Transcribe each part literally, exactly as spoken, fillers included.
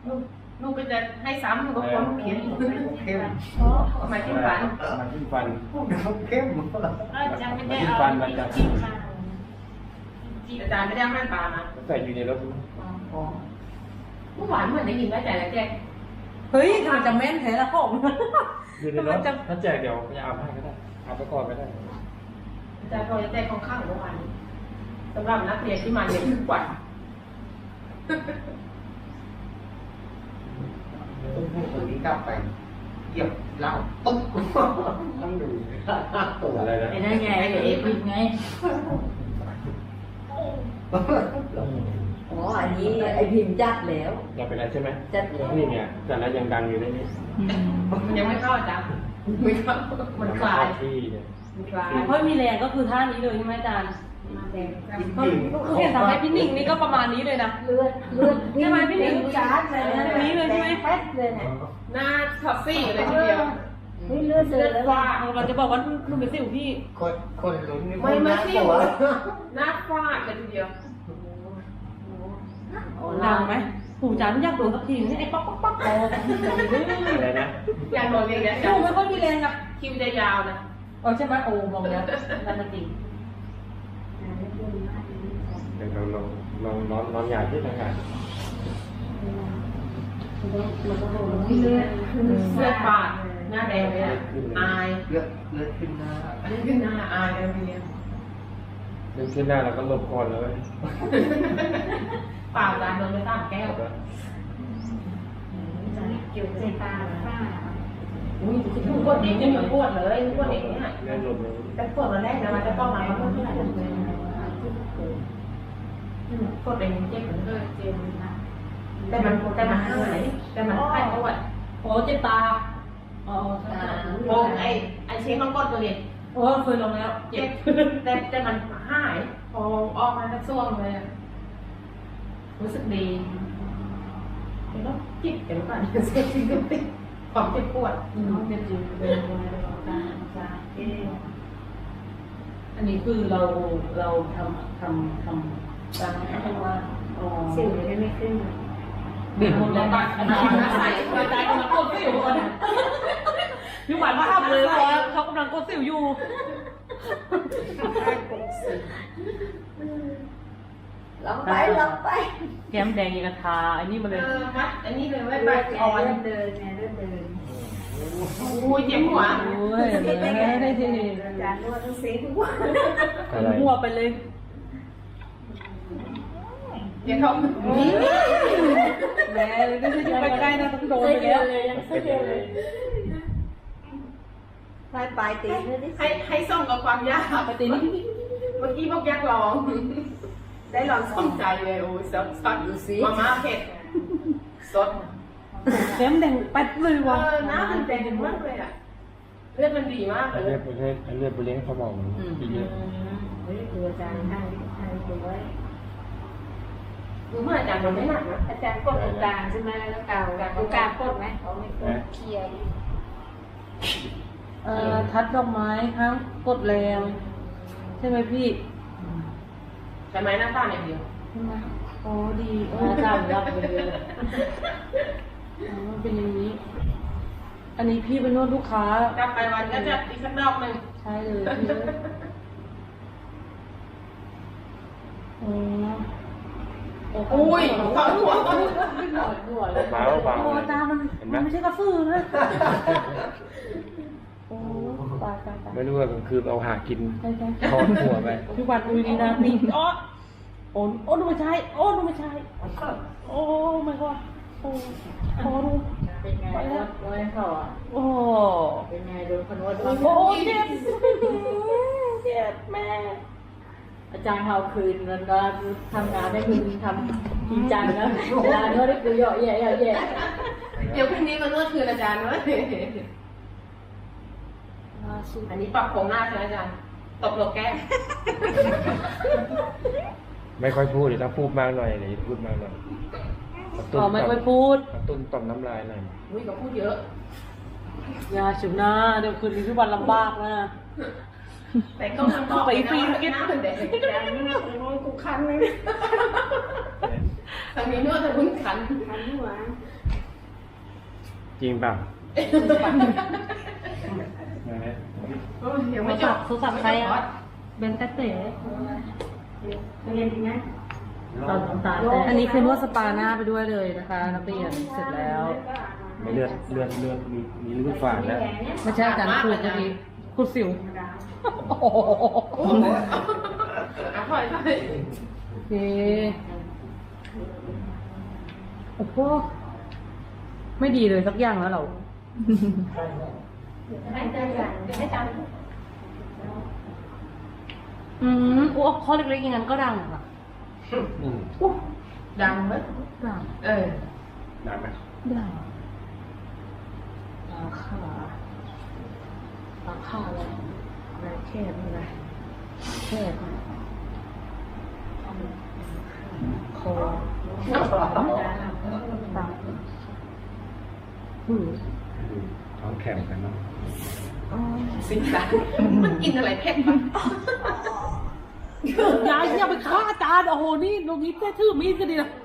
ลูกลูกก็จะให้ซ้ำลูกก็ควรเขียนเข้มเพราะมาที่ฝันมันขึ้นฟันเข้มจะไม่ได้เอาจริงมาอาจารย์ไม่ได้ให้ปลามาใส่อยู่ในรถเมื่อวานเหมือนได้ยินว่าอาจารย์แล้วแจ๊กเฮ้ยทำจะแม่นแท้ละผมอยู่ในรถถ้าแจกเดี๋ยวจะเอาให้ก็ได้เอาไปก่อนก็ได้อาจารย์พอจะแจ้งข้างๆเมื่อวานสำหรับนักเรียนที่มาเรียนทุกวันตัวนี้กลับไปเก็บเหล้าปุ๊บต้องดูตัวอะไรนะไอ้นั่นไงไอ้เอฟไงอ๋ออันนี้ไอ้พิมพ์จัดแล้วอยากเป็นอะไรใช่ไหมจัดแล้วนี่ไงแต่แล้วยังดังอยู่ในนี้มันยังไม่เข้าอาจารย์ไม่เข้ามันคลายที่เนี่ยมันคลายเพิ่มมีแรงก็คือท่านี้เลยใช่ไหมอาจารย์มาแดงเพิ่มคือเห็นทำให้พี่หนิงนี่ก็ประมาณนี้เลยนะเลือดเลือดใช่ไหมพี่หนิงจัดเลยนะนี้เลยใช่ไหมแป๊ดเลยเนี่ยหน้าท็อปซี่เลยทีเดียวนี่เลือดเสือแล้วว่าเราจะบอกว่าหนุ่มเป็นสิวพี่คนคนลุ้นนี่ไม่ไม่ที่ตัวหน้าฟาดเลยทีเดียวดังไหมปู่จ๋าไม่อยากโดนสักทีนี่ไอ้ป๊อกป๊อกป๊อกโอ้อะไรนะอย่างโดนเรียนอาจาดูรย์ไม่ค่อยมีแรงอะคิวจะยาวนะเออใช่ไหมโอ้มองแล้วนั่นมันจริงเดี๋ยวเราลองลองนอนนอนหยาดที่ทางการนี่เลือดเสื้อปาดหน้าแดงเลยอ่ะอายเลือดเลือดขึ้นหน้าขึ้นหน้าอายเลยทีเดียวเดินขึ้นหน้าเราก็หลบก่อนเลยเปล่าจานโดนไปตามแก้วเกี่ยวใจตาป้าอุ้ยทุกคนเองยังอยู่ปวดเลยทุกคนเองเนี่ยเล่นหลบเลยแต่ปวดวันแรกนะมันจะต้องมาเพราะเท่าไหร่ปวดเองเจ็บเหมือนเดิมเจ็บนะแต่มันแต่มันหายแต่มันหายเพราะว่าโอ้เจ็บตาอ๋อโอ้ไอไอเช็คต้องกดตัวเด็กโอ้เคยลงแล้วเจ็บแต่แต่มันหายพอออกมาก็ซ่วงเลยรู้สึกดีเดี๋ยวต้องจิบเดี๋ยวก่อนเซ็ตจริงก็ติดความเจ็บปวดน้องเป็นจริงเป็นคนตาตาเอ๊ะอันนี้คือเราเราทำทำทำตามที่เขาว่าอ๋อสิวจะไม่ขึ้นคนละบ้านอันนี้ใส่กระจายกำลังกดสิวก่อนพี่หวานมาทำเลยเพราะว่าเขากำลังกดสิวอยู่ลองไปลองไปแก้มแดงยังกระทาอันนี้มาเอเลยอมัดอันนี้เลยไว้เดิใบนอ่อนเดินไงเดินเดินอุ้ยเจ็บหัวโอ้ยเลยได้ทีอาจารย์นวดต้องซีทุกวันอะไรหัวไปเลยเดี๋ยวเขาแม่ไม่ใช่อยู่ใกล้ๆนะต้องโดนไปแล้วยังไม่เจอเลยปลายปลายตีเลยดิให้ให้ส่งกับความยากปกตินี่เมื่อกี้พวกยักษ์ลอง ได้ลองสนใจเลยโอ้ยสดสดดูสิมาม่าเผ็ดสดแก้มแดงแป๊ดเลยเอว่ะอน้ำมันแดงมากเลยอ่ะเลือดมันดีมากเลเลืยอดเลือดเลือดไปเลี้ยงสมองอีกเยอะเฮ้ยคืออาจารย์ให้ให้ดูไว้รู้ไหมอาจารย์มันไม่หนักนะอาจารย์กดตรงกลางใช่ไหมแล้วเก่าตรงกลางกดไหมเขาไม่กดเคลียร์เอ่อทัดดอกไม้ห้ามกดแรงใช่ไหมพี่ใช่ไหมหน้าตาอย่างเดียวใช่ไหมโอ้ดีโอ้จำรับไปเลยอ๋อมันเป็นอย่างนี้ อันนี้พี่เป็นนวดลูกค้าจับไปวันก็จะอีกสักดอกหนึ่งใช่เลยพี่อ๋ออุ้ยเข้าหัวหน่อยหน่อยเบาเบาโอ้ตามันมันไม่ใช่กระสือนะโอ้ตายตายตายไม่รู้ว่ากลางคืนเอาหากินใช่ใช่ทอดหัวไปพี่วันดูดีนะนี่อ๋อโอ้โอ้ดูไม่ใช่โอ้ดูไม่ใช่โอ้ไม่ก็โอ้โอ้ดูเป็นไงนวดนวดเขาอ่ะโอ้เป็นไงโดนคนนวดโอ้เจ็บเจ็บแม่อาจารย์เขาคืนแล้วก็ทำงานได้คืนทำจริงจังนะเวลานวดได้คือเยอะแยะเยอะแยะเดี๋ยวพรุ่งนี้มานวดคืนอาจารย์เว้ยอันนี้ปรับโครงหน้าใช่ไหมอาจารย์ตบหลบแก้มไม่ค่อยพูดเดี๋ยวต้องพูดมากหน่อยเดี๋ยวพูดมากหน่อยกระตุ้นอ๋อไม่ค่อยพูดกระตุ้นต่อมน้ำลายหน่อยอุ้ยก็พูดเยอะยาฉุนหน้าเดี๋ยวคืนนี้พี่วันลำบากนะแต่ก็มันบอกไปฟรีนะกินหน้าเป็นเด็กอาจารย์นี่นะโอ้ยกูคันเลยทางนี้นวดทางนู้นขันคันหัวจริงเปล่ายังไม่จบโทรศัพท์ใครอ่ะเบนเต้เต้เรียนดีไหมตอนน้ำตาแตกอันนี้คือนวดสปาหน้าไปด้วยเลยนะคะนักเรียนเสร็จแล้วไม่เลือดเลือดเลือดมีมีเลือดฝาดแล้วไม่ใช่อาจารย์ขูดเมื่อกี้ขูดสิวโอ้โหอ่ะถอยถอยโอเคโอ้โหไม่ดีเลยสักอย่างแล้วเราให้ใจกันให้จอืมโอ้ข้อเล็กๆอย่างนั้นก็ดังอ่ะอืมำดังไหมดังเออดังไหมดังตาขาตาขาอะไรอะไรแคบอะไรแคบคอตาหูท้องแข็งกันเนาะสิสันมันกินอะไรเผ็ดปะยายอย่าไปฆ่าอาจารย์โอ้โหนี่ตรงนี้แค่ถือมีดก็ดีนะ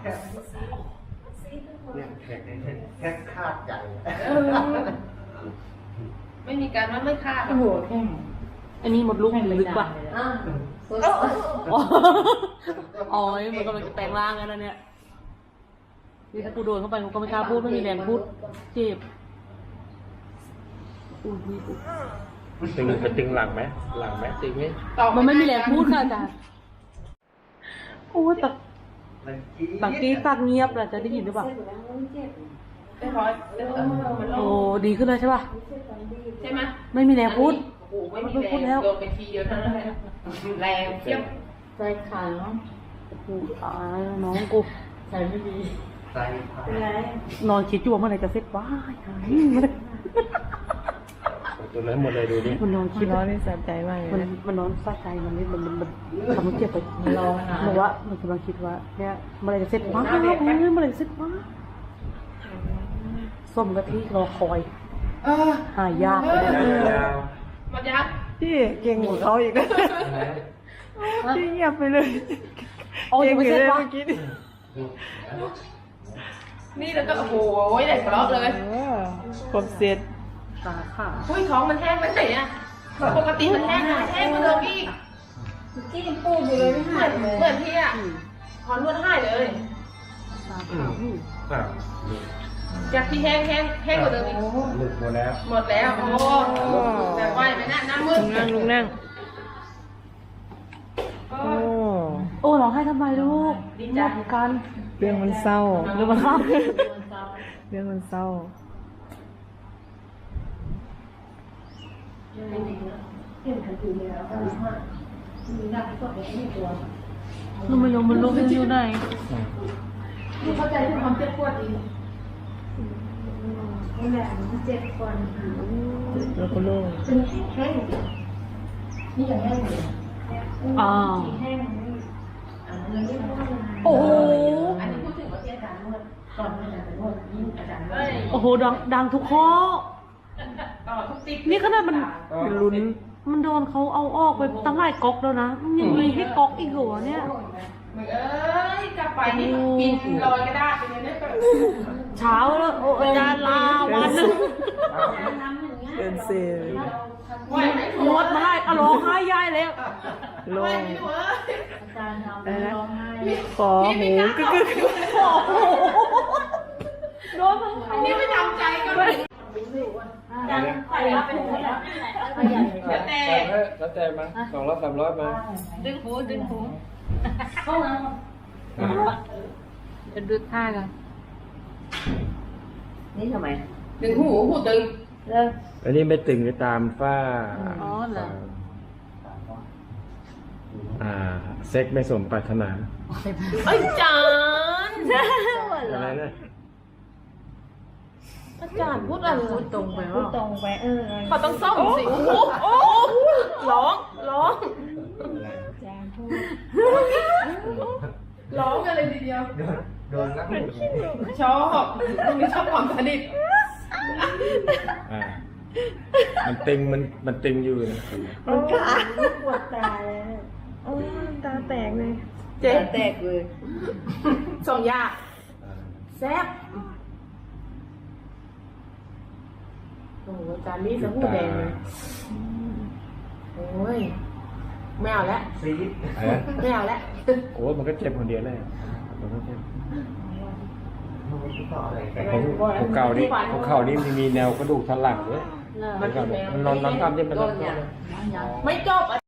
เนี่ยแขกแค่คาดใจเออไม่มีการว่าไม่ฆ่าหรโอ้อกโหแข้งอันนี้หมดลูกลึกกว่าอ่าอ๋ออ๋อมันกำลังจะแปลงร่างกันแล้วเนี่ยนี่ถ้ากูโดนเข้าไปกูก็ไม่กล้าพูดไม่มีแรงพูดเจ็บอุ้ยนี่ตึงจะตึงหลังไหมหลังไหมตึงไหมตอบมันไม่มีแรงพูดค่ะอาจารย์โอ้ยตักตักกี้ตักเงียบแหละจะได้ยินหรือเปล่าไม่พอเออมันลโอ้งดีขึ้นแล้วใช่ป่ะใช่ไหมไม่มีแรงพูดโอ้โหไม่มีแรงโดนไปทีเดียวเท่านั้นแหละแรงเทียบใจขาดเนาะกูตายแล้วน้องกูใจไม่ดีใจพายนอนคิดอยู่ว่าเมื่อไหร่จะเสร็จว้ายหายมันตัวนั้นหมดเลยดูดิมันนอนคิดร้อนนี่สะใจมากเลยมันนะมันนอนสะใจมันนี่มันมันมันทำให้เจ็บไปมันร้องหาบอกว่ามันกำลังคิดว่าเนี่ยเมื่อไหรจะเสร็จว้าเฮ้ยเมื่อไหรจะเสร็จว้าส้มกะทิรอคอยเออหายากเลยยาวมันยักพี่เก่งกว่าเขาอีกนะพี่เงียบไปเลยอ๋อยังไม่เสร็จก่งวะอยู่เลยนี่แล้วก็โอ้โหแดกกระรอกเลยเมื่อกี้ครบเสร็จตาค่ะอุ้ยท้องมันแห้งไปไหนอ่ะปกติมันแห้งนะแห้งมาเลยพี่ที่ยังปูอยู่เลยไม่เหหามือย นเลยเหมือนพี่อ่ะถอนนวดให้เลยตาค่ะอืมอ่ะจากที่แห้งแห้งแห้งกว่าเดิมอีกหลุดหมดแล้วหมดแล้วโอ้แบบไหวไหมน่ะน้ำมืดลุงนั่งลุงนั่งโอ้โอ้โอ้ร้องไห้ทำไมลูกดีใจกันเรื่องมันเศร้าเรื่องมันครับเรื่องมันเศร้าลูกไม่รู้มันลูกมันอยู่ไหนนี่เข้าใจถึงความเจ็บปวดอีกนี่แหละมันเจ็บก่อนแล้วก็โล่งเป็นแห้งนี่อย่างแห้งเลยอ่าแห้งโอ้โหอันนี้พูดถึงว่าที่อาจารย์นวดก่อนอาจารย์นวดยิ่งอาจารย์เฮ้ยโอ้โหดังดังทุกข้อต่อทุกติ๊กนี่ขนาดมันลุ้นมันโดนเขาเอาออกไปตั้งหลายก๊อกแล้วนะมันยังมีให้ก๊อกอีกเหรอเนี่ยมึงเอ้ยกลับไปนี่กินลอยกระดาษไปเลยเนี่ยเช้าแล้วโอ้อาจารย์ลาวันหนึงเดินเซลไหวไหมนวดมาได้อะร้องไห้ยายแล้วโล่ไหวงไหมหนูเอ้ยอาจารย์ทำร้องไห้ขอหูกึกกึกโอ้โหโดนทั้งเขานี่ไม่ทำใจกันเลยอาจารย์ใส่รับเป็นหัวแล้วขยันแล้วแต่แล้วแต่มาสองร้อยสามร้อยมาดึงหูดึงหูเข้ามาจะดูท่ากันนี่ทำไมถึงหูหูตึงเลิกอันนี้ไม่ตึงไปตามฝ้าอ๋อเหรออ่า เซ็กไม่สมปรารถนาอาจารย์อะไรนะอาจารย์พูดอะไรตรงไปพูว่าดตรงไปเออเขาต้องซ่อมสิโอ้โหโอ้ร้องร้องอาจารย์พูดร้องกันเลยทีเดียวโดนโดนแล้วชอบมีชอบความสนิทอ่า มันตึงมันมันตึงอยู่นะมันขาปวดตาเลยโอ้ตาแตกเลยเจ๊แตกเลยสองอยางแซ่บโอ้โหจานนี้สบู่แดงเลยโอ้ยไม่เอาแล้วซีดอะไรนะไม่เอาแล้วโอ้ยมันก็เจ็บคนเดียวเลยมันก็เจ็บมันไม่ต่ออะไรแต่ของของเก่านี่ของเก่านี่มันมีแนวกระดูกสันหลังด้วยเลิกมันก็มันนอนนอนตามที่มันนอนไม่จบ